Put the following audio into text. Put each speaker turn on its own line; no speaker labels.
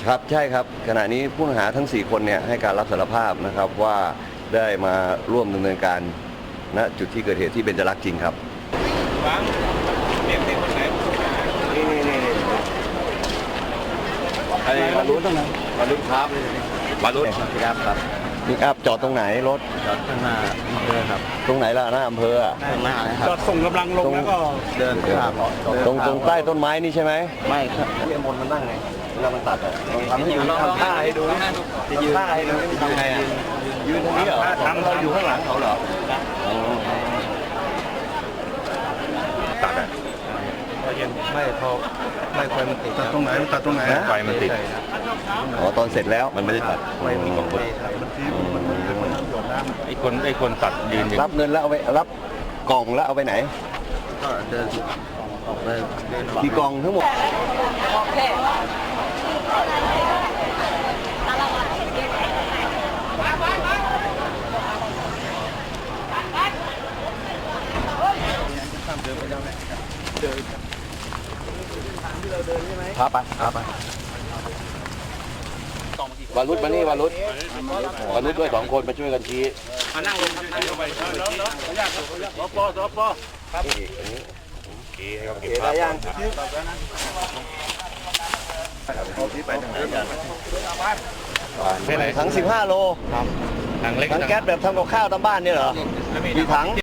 ครับใช่ครับขณะนี้ผู้ต้องหาทั้ง4คนเนี่ยให้การรับสารภาพนะครับว่าได้มาร่วมดำเนินการณจุดที่เกิดเหตุที่เบญจรักษ์จริงครับนี่ไอ้วารุธต้องไหนวารุธครับวารุธครับนี่ครับจอดตรงไหนรถ
จอดข้างหน้าอำเภอครับ
ตรงไหนล่ะหน้าอำเภอ
ข้างหน้านะครับ
จอดส่งกำลังลงแล้วก็
เดินข้าม
ตรงใต้ต้นไม้นี่ใช่ไหม
ไม่ครับ
ที่มนมันนั่งไงเวลามันตัดอ่ะทำท่าให้ดูจะยืนท่าให้ดูทำไงอ่ะยืนตรงนี้เหรอเราอยู่ข้างหลังเขาเหรอตัดอ่ะ
ไม่พอไม่ไฟมันติด
ตัดตรงไหนตัดตรงไหน
ไฟมันติดอ๋อตอนเสร็จแล้วมันไม่ได้ตัด
ไฟมันตกไป
ไอ้คนตัดยืน
รับเงินแล้วเอาไปรับกล่องแล้วเอาไปไหน
ก็เดินออกไป
กี่กล่องทั้งหมดพาไปวารุธมานี่วารุธด้วย2 คนมาช่วยกันชี้
มานั่งลงไปแล้วสปครับ
โอเคได้ยังถัง15 โลถังแก๊สแบบทำกับข้าวตามบ้านเนี่ยเหรอกี่ถัง